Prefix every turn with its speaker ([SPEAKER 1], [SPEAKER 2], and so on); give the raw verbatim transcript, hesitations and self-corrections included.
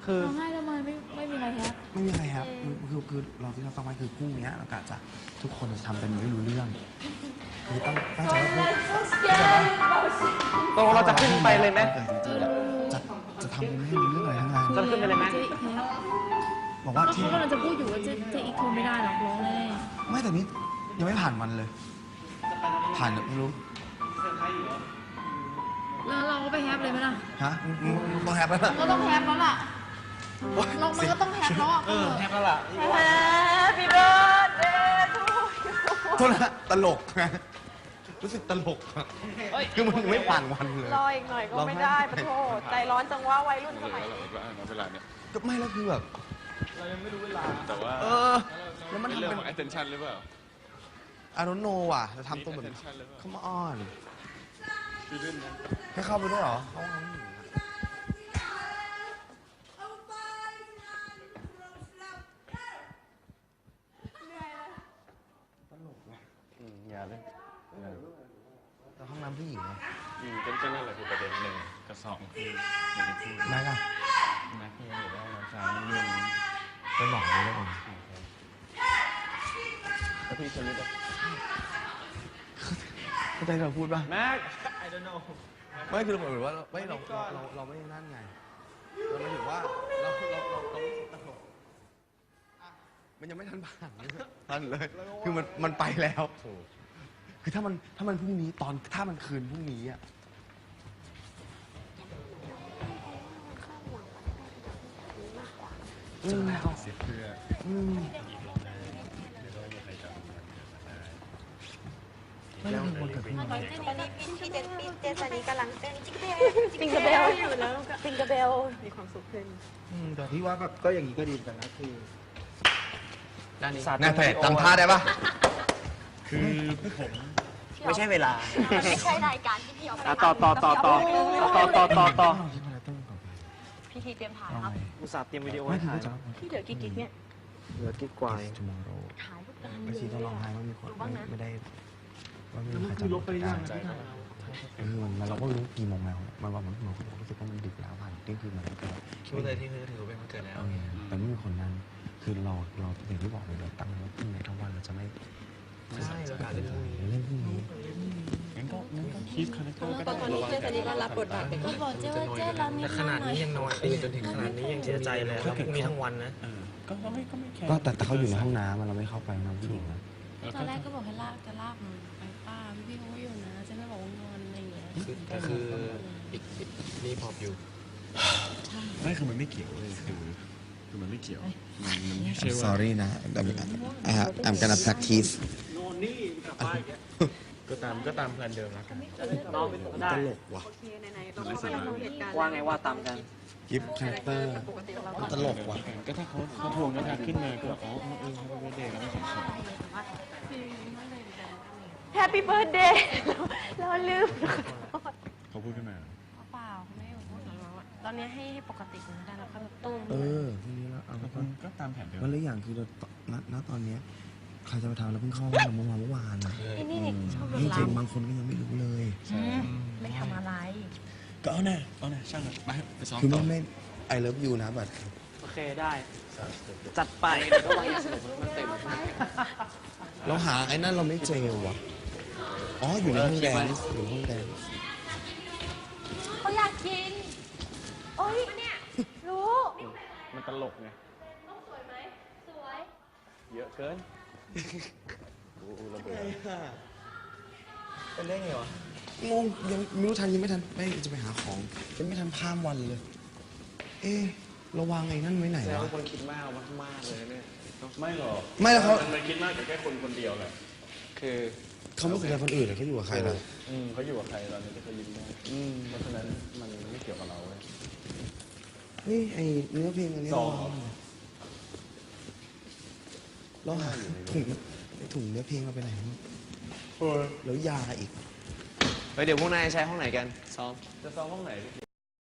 [SPEAKER 1] คือ
[SPEAKER 2] ร้องไห้ทำไมไม่ไม่มีใครแฮป
[SPEAKER 3] ไม่มีใครครับคือคือเราที่เราต้องไว้คือพรุ่งนี้เรากะจะทุกคนจะทำเป็นไม่รู้เรื่องคือตั้งตั้งใจว่า
[SPEAKER 1] ตกลงเราจะขึ้นไปเลยไหม
[SPEAKER 3] จริงๆจะจะทำเป็นไม่รู้เรื่องอะไรทั้งนั้น
[SPEAKER 1] จะขึ้นไปเลยไหม
[SPEAKER 3] บอกว่า
[SPEAKER 2] เขา
[SPEAKER 3] ที่
[SPEAKER 2] กำลังจะพูดอยู่ว่าเจ๊เจ๊อีกคงไม่ได้หรอกร้องแน่
[SPEAKER 3] ไม่แต่นี้ยังไม่ผ่านวันเลย ผ่านไม่รู้
[SPEAKER 2] แล้วเราก็ไปแฮปเลยไหมล่ะ
[SPEAKER 3] ฮะต้องแฮปแล้วนะ
[SPEAKER 2] ก็ต้องแฮปแล้วล่ะเรามันก็ต้องแฮปแล้วอ่ะ
[SPEAKER 1] เออแฮปแล้วล่ะ
[SPEAKER 2] Happy birthday to you
[SPEAKER 3] โทษนะตลกนะรู้สึกตลกอะคือมันไม่ผ่านวันเลย
[SPEAKER 4] รออีกหน่อยก็ไม่ได้ปะโถใจร้อนจังว่าวัยรุ่นสมัยนี้
[SPEAKER 5] เวลาเนี่ย
[SPEAKER 3] ก็ไม่แล้วคือแบบ
[SPEAKER 5] เรายังไม่รู้เวลา แต่ว่า
[SPEAKER 3] เออแล้วมันทำ
[SPEAKER 5] เรื่อง
[SPEAKER 3] เป็น
[SPEAKER 5] ของ attention หรือเปล่า
[SPEAKER 3] I don't know ว่ะจะทำตัวแบบ
[SPEAKER 5] attention หรือเปล่า
[SPEAKER 3] come on
[SPEAKER 5] คือเรื่องนั้น
[SPEAKER 3] ให้เข้าไปด้วยเหรอเข้าห้องตลกว่ะ
[SPEAKER 5] อืมอย่าเลย
[SPEAKER 3] แต่ห้องน้ำผู้หญิงไง
[SPEAKER 5] อืมก็ก็นั่นแหละคือประเด็นหนึ่งกับสองคืออย่างที่พูด
[SPEAKER 3] ไม่ล่ะ
[SPEAKER 5] นะที่บอกว่าน้ำชาเรื่องนี้
[SPEAKER 3] ไปบอกเลยแล้วกัน
[SPEAKER 5] แล้วพี่ชลิดอ่ะ
[SPEAKER 3] เข้าใจเราพูดป่ะ
[SPEAKER 1] แม็ก I don't know
[SPEAKER 3] ไม่คือเหมือนว่าเราไม่เราเราเราไม่นั่นไงเราไม่ถือว่าเราเราเราเรารู้สึกตลกอ่ะมันยังไม่ทันผ่านทันเลยคือมันมันไปแล้วคือถ้ามันถ้ามันพรุ่งนี้ตอนถ้ามันคืนพรุ่งนี้อ่ะอืม
[SPEAKER 5] เสียเพื่อ
[SPEAKER 3] อืมไม่ได้มีคนเกิดขึ้น
[SPEAKER 4] ตอนนี้พี่พี่เจพี่เจสันนี้กำลังเต้นจิ๊กเบลจิ๊กเบลอยู่แล้วจิ๊กเบลมีความสุขขึ้น
[SPEAKER 3] อืมแต่ที่ว่าก็ก็อย่างนี้ก็ดีกันนะคือ
[SPEAKER 1] ด้านนี้
[SPEAKER 3] น่าเพจทำท่าได้ปะ
[SPEAKER 5] คือผม
[SPEAKER 1] ไม่ใช่เวลา
[SPEAKER 4] มันไม่ใช่รายการที่พี่เอาไป
[SPEAKER 1] ต่อต่อต่อต่อต่อต่อต่อต่อ
[SPEAKER 4] พี่ทีเตรียมถ่ายครับ
[SPEAKER 1] อุตส่าห์เตรียมวิดีโอ
[SPEAKER 3] ไม่
[SPEAKER 1] ให้
[SPEAKER 3] คือ
[SPEAKER 1] ถ่าย
[SPEAKER 3] จะ
[SPEAKER 4] พี่เหลือกี่กิ๊กเนี่ย
[SPEAKER 1] เหลือกิ๊กกวาย
[SPEAKER 3] ชั่วโมงโร
[SPEAKER 4] ถ่ายรูปกัน
[SPEAKER 3] ไม่ชีต้องร้องไห้ว่ามีคนไม่ได้ว่าไม่มีใคร
[SPEAKER 1] คือลบไปยัง
[SPEAKER 3] ใจคือมันเราก็รู้กี่โมงแล้วมันว่ามันเรารู้สึกว่ามันดึกแล้วผ่านเที่ยงคืนมันก็
[SPEAKER 1] คิดว่าเลยที่คือถือว่าเป็นวันเกิดแล้ว
[SPEAKER 3] แต่ไม่มีคนนั้นคือเราเราอย่างที่บอกเลยเราตั้งไว้พรุ่งนี้ทั้งวันเราจะไม่
[SPEAKER 1] ใช่เราการเล่นพรุ่งนี้
[SPEAKER 3] เล่นพรุ่งนี้
[SPEAKER 5] งั้นก็งั้นก็คีปคาแรคเตอร์ก็ได้
[SPEAKER 4] ตอนนี้เจสันนี้ก็รับบทบาทเป็น
[SPEAKER 2] ก็บอกเจ๊ว่าเจ๊ร้องนิ
[SPEAKER 1] แต่
[SPEAKER 2] ด
[SPEAKER 1] ข
[SPEAKER 2] หน่
[SPEAKER 1] นา
[SPEAKER 2] อ
[SPEAKER 1] ด
[SPEAKER 2] ย
[SPEAKER 1] นี้ยังนอนตื่นจนถึงขนาดนี้ยังเสียใจเลยแล้วพรุ่งนี้ทั้งวันนะ
[SPEAKER 5] เออก็ก็ไม่ก็ไม่แคร์
[SPEAKER 3] ก็แต่แต่เขาอยู่ในห้องน้ำเราไม่เข้าไปนะผู้หญิงนะ
[SPEAKER 5] เออ
[SPEAKER 2] ตอนแรกก็บอกให้ลากจะลากมันไปป้าพี่พี่เขาก็อยู่นะเจ๊ไม่บอกว่างอนอะไรอย่างเงี้ย
[SPEAKER 1] ก็คืออีกรีพอร์ตอยู่
[SPEAKER 5] ไม่คือมันไม่เกี่ยวเลยคือคือมันไม่เกี่ยวมันมันไม่ใช่ว่า
[SPEAKER 3] sorry นะ I'm gonna practice
[SPEAKER 5] ก็ตามก็ตามแพลนเดิมแล้วกัน
[SPEAKER 1] น้องได้
[SPEAKER 3] ตลกว่ะ
[SPEAKER 4] โอเคไหนๆเราก็กำลังดูเหตุการณ์
[SPEAKER 1] ว่าไงว่าตามกัน
[SPEAKER 3] กิฟต์คาแรคเตอร์มันตลกว่ะ
[SPEAKER 5] ก็ถ้าเขาเขาทวงน้ำหนักขึ้นมาก็อ๋อเออเขาเป็นเด็กแล้วไม่ใช่
[SPEAKER 4] แฮปปี้เบิร์ดเดย์เราลืม
[SPEAKER 5] เขาพูดขึ้นมา
[SPEAKER 2] เปล่าเขาไม่ได้บอกว่าตอนนี้ให้ให้ปกติก่อนได้แล้วก็ตุ้ม
[SPEAKER 3] เออพรุ่งนี้แล้วเอา
[SPEAKER 5] ก็
[SPEAKER 3] ก็
[SPEAKER 5] ก็ตามแผนเดิม
[SPEAKER 3] วันละอย่างคือเราณณตอนเนี้ยใครจะไปทำแล้วเพิ่งเข้าห้องน้ำเมื่อวานเมื่อวานนะ
[SPEAKER 2] ไอ้นี่นี่ชอบ
[SPEAKER 3] จ
[SPEAKER 2] ล
[SPEAKER 3] ริงๆบางคนก็ยังไม่รู้เลย
[SPEAKER 2] ไม่ทำอะไร
[SPEAKER 5] ก็เอาแน่เอาแน่ช่างมันไปไปซ้อม
[SPEAKER 3] คือ
[SPEAKER 5] ต่
[SPEAKER 3] ไม่
[SPEAKER 5] อ
[SPEAKER 3] ไม่ I love you นะบัด
[SPEAKER 1] โอเคได้ จัดไป
[SPEAKER 3] เราหาไอ้นั่นเราไม่เจอว่ะอ๋ออยู่ในห้องแดนซ์อยู่ในห้องแดนซ์
[SPEAKER 4] เขาอยากกินโอ้ยเนี่ยรู้
[SPEAKER 5] มันตลกไง
[SPEAKER 4] ต้องสวยไหมสวย
[SPEAKER 5] เยอะเกินโอ้ระเบิด
[SPEAKER 1] เป็นได้ไงวะ
[SPEAKER 3] งงยังไม่รู้ทันยังไม่ทันไม่จะไปหาของยังไม่ทันข้ามวันเลย เอ๊ะเราวางไอ้นั่นไว้ไหน
[SPEAKER 1] แล้ว
[SPEAKER 3] วะ
[SPEAKER 1] คนคิดมากมากเลยเนี่ย
[SPEAKER 5] ไม่หรอก
[SPEAKER 3] ไม่แล้วเขา
[SPEAKER 5] มันคิดมากกับแค่คนคนเดียวแหละคือ
[SPEAKER 3] เขาไม่สนใจคนอื่นเลยเขาอยู่กับใครล่ะ
[SPEAKER 5] อืมเขาอยู่กับใครตอนนี้ที่เขายิ้มได้อืมเพราะฉะนั้นมันไม่เกี่ยวกับเราเว้ย
[SPEAKER 3] เฮ้ยไอเนื้อเพลงอันนี้
[SPEAKER 5] ส
[SPEAKER 3] เรา
[SPEAKER 5] อง
[SPEAKER 3] เราหาถุงไอ้ถุงเนื้อเพลงเราไปไหนวะแล้วยาอีก
[SPEAKER 1] เฮ้ยเดี๋ยวพวกนายใช้ห้องไหนกัน ซ้อม
[SPEAKER 5] จะซ้อมห้องไหน